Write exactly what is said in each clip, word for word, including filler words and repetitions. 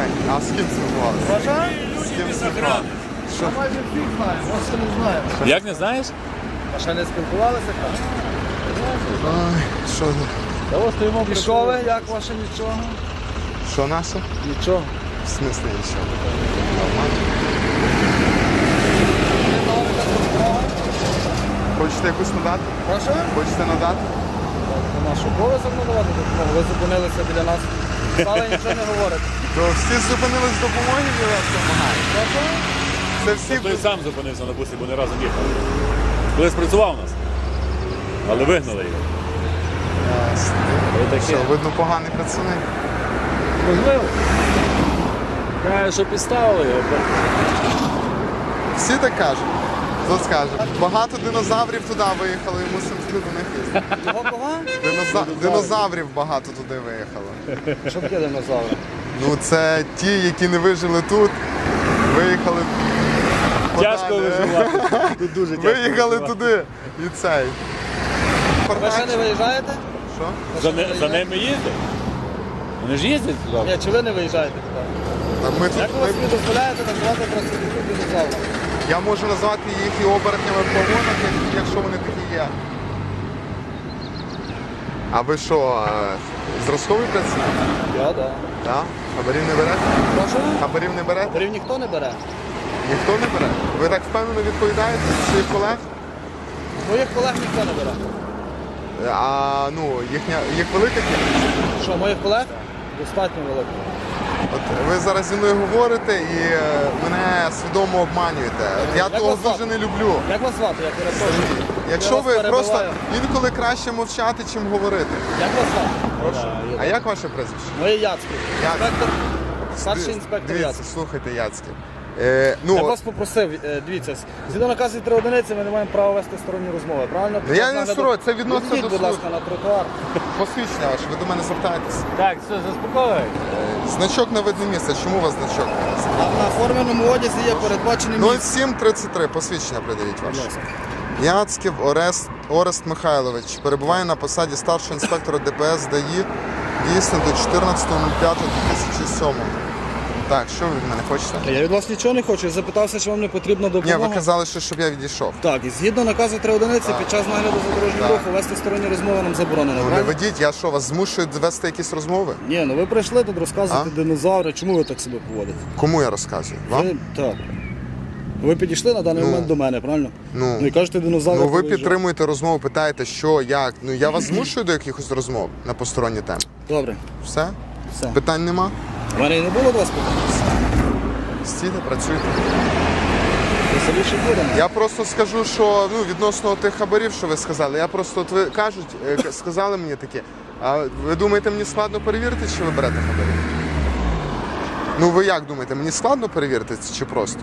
А з ким спілкувалися? Бажаю? З ким спілкувалися? Що? Я майже всіх знаю, просто не знаю. Як не знаєш? А ще не спілкувалися так? Ой, що? Та стоїмо І що ви, як ваше нічого? Що наше? Нічого. В смислі нічого. Нормально. Хочете якусь надати? Прошу? Хочете надати? Наш обов'язок надавати допомогу. Ви зупинилися біля нас. Стали нічого не говорите. То всі зупинились з допомоги і вас допомагають. Прошу? Це всі... Той сам зупинився на бусі, бо не разом їхали. Колись працював у нас. Але вигнали його. Ясно. Ось Що, таке. видно, поганий працівник. Можливо. Каже, що підставили його. Всі так кажуть. Хто скаже? Багато динозаврів туди виїхали, і мусимо туди до них їздити. Кого кого? Диноза... Динозаврів багато туди виїхало. Що таке динозаври? Ну це ті, які не вижили тут, виїхали Тяжко подалі. виживати. Тут дуже тяжко Виїхали виживати. туди і цей. Ви ще не виїжджаєте? Що? Ви За, ще не не, за виїжджаєте? ними їздять. Вони ж їздять туди. Ні, чи ви не виїжджаєте туди? Та ми тут, Як ви ми- собі дозволяєте називати працівників динозаврами? Я можу назвати їх і оборотнями в погонах, як- якщо вони такі є. А ви що, е, зразковий працівник? Я, так. Так? Хабарів не берете? Прошу? Хабарів не берете? Берів ніхто не бере. Ніхто не бере? Ви так впевнено відповідаєте за своїх колег? Моїх колег ніхто не бере. А ну, їхня, їх велика кількість? Що, моїх колег? Достатньо велико. От ви зараз зі мною говорите і е, мене свідомо обманюєте. От я Як того вас звати? дуже не люблю. Як вас звати? Я перепрошую. Якщо вас ви просто перебиваю. інколи краще мовчати, чим говорити. Як вас звати? Прошу. А як ваше прізвище? Моє Яцький. Яцький. Інспектор, старший Дивіться, інспектор Дивіться, Яцький. слухайте, Яцький. Е, Я ну, вас попросив, е, дивіться, згідно наказу три одиниці ми не маємо права вести сторонні розмови, правильно? Ну, я не сторонній, це відносно Відійдіть, до будь ласка, на тротуар. посвідчення ваше, ви до мене звертаєтесь. Так, все, заспокоюй. Значок на видне місце. Чому у вас значок? На, на форменому одязі є передбачений нуль місце. сім тридцять три, посвідчення придивіть Будь ваше. ласка. Яцьків Орест, Орест Михайлович перебуває на посаді старшого інспектора ДПС ДАІ дійсно до чотирнадцятого п'ятого дві тисячі сьомого. Так, що ви від мене хочете? Я від вас нічого не хочу, я запитався, чи вам не потрібна Ні, допомога. ви казали, що щоб я відійшов. Так, і згідно наказу три одиниці під час нагляду за дорожнім Так. рухом вести сторонні розмови нам заборонено. Ну не правильно? ведіть, я що, вас змушую вести якісь розмови? Ні, ну ви прийшли тут розказувати А? динозаври, чому ви так себе поводите? Кому я розказую? Вам? Ви, так. Ви підійшли на даний Ну. момент до мене, правильно? Ну. Ну і кажете, динозаври. Ну ви повиїжджали. підтримуєте розмову, питаєте, що, як. Ну я вас змушую до якихось розмов на посторонні теми. Добре, Все? все. Питань нема? У мене і не було до вас питань. Стійте, працюйте. Веселіше будемо. Я просто скажу, що ну, відносно тих хабарів, що ви сказали, я просто от ви кажуть, е, к- сказали мені таке, а ви думаєте, мені складно перевірити, чи ви берете хабарі? Ну ви як думаєте, мені складно перевірити це чи просто?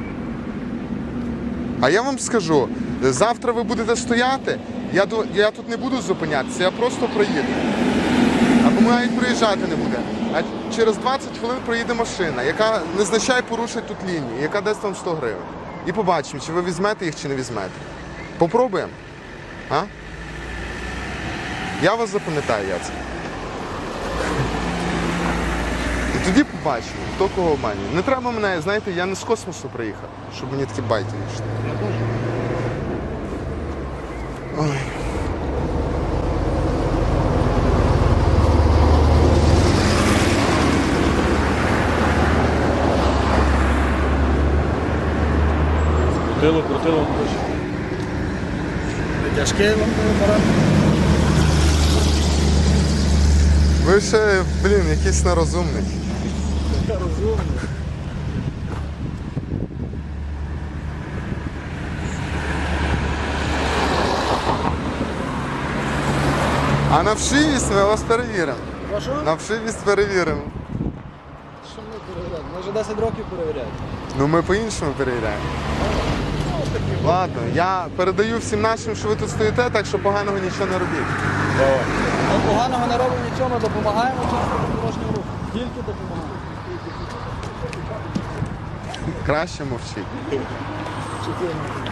А я вам скажу, завтра ви будете стояти, я, до, я тут не буду зупинятися, я просто проїду. Або навіть проїжджати не буде. А через двадцять хвилин проїде машина, яка незначай порушить тут лінію, яка дасть вам сто гривень. І побачимо, чи ви візьмете їх, чи не візьмете. Попробуємо. А? Я вас запам'ятаю, Яцек. І тоді побачимо, хто кого обманює. Не треба мене, знаєте, я не з космосу приїхав, щоб мені такі байки не йшли. Ой. Крутило, крутило. Тяжкий вам апарат. Ви ще, блін, якийсь нерозумний. Розумно. А на вшивість ми вас перевіримо. Прошу? На вшивість перевіримо. Що ми перевіряємо? Ми вже десять років перевіряємо. Ну ми по-іншому перевіряємо. Ладно, я передаю всім нашим, що ви тут стоїте, так що поганого нічого не робіть. Давай. Ми поганого не робимо нічого, ми допомагаємо учасникам дорожнього руху. Тільки допомагаємо. Краще мовчіть. Чотири.